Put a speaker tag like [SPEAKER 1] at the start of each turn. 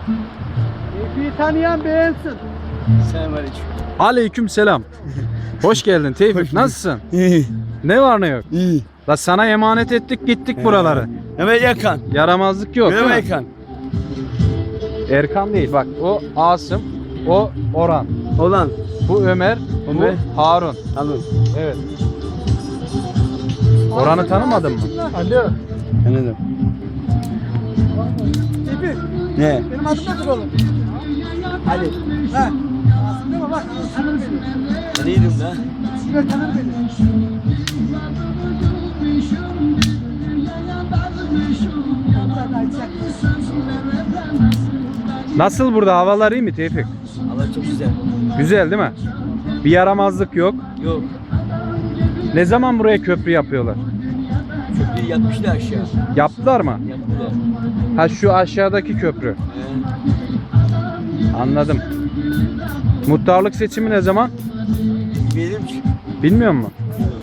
[SPEAKER 1] Tevfik'i tanıyan beğensin.
[SPEAKER 2] Selamünaleyküm.
[SPEAKER 3] Aleyküm selam. Hoş geldin Tevfik. Nasılsın?
[SPEAKER 2] İyi.
[SPEAKER 3] Ne var ne yok?
[SPEAKER 2] İyi.
[SPEAKER 3] La sana emanet ettik gittik buraları.
[SPEAKER 2] Mehmet Yakan.
[SPEAKER 3] Yaramazlık yok değil mi?
[SPEAKER 2] Mehmet Yakan.
[SPEAKER 3] Erkan değil bak o Asım, o Orhan.
[SPEAKER 2] Olan.
[SPEAKER 3] Bu Ömer,
[SPEAKER 2] Ömer.
[SPEAKER 3] bu Harun.
[SPEAKER 2] Anladım.
[SPEAKER 3] Evet. Orhan'ı tanımadın mı?
[SPEAKER 1] Alo.
[SPEAKER 2] Anladım.
[SPEAKER 1] Tevfik.
[SPEAKER 2] Ne?
[SPEAKER 1] Benim adım nedir oğlum?
[SPEAKER 2] Ali.
[SPEAKER 1] Ha. Değil mi bak tanır beni.
[SPEAKER 2] Neydim lan?
[SPEAKER 1] Sibel tanır beni.
[SPEAKER 3] Nasıl burada havalar iyi mi Tevfik?
[SPEAKER 2] Allah çok güzel.
[SPEAKER 3] Güzel değil mi? Bir yaramazlık yok.
[SPEAKER 2] Yok.
[SPEAKER 3] Ne zaman buraya köprü yapıyorlar?
[SPEAKER 2] Köprüyü yapmışlar aşağı.
[SPEAKER 3] Yaptılar mı?
[SPEAKER 2] Yaptılar.
[SPEAKER 3] Ha şu aşağıdaki köprü. Anladım. Muhtarlık seçimi ne zaman?
[SPEAKER 2] Bilmiyorum ki.
[SPEAKER 3] Bilmiyor musun?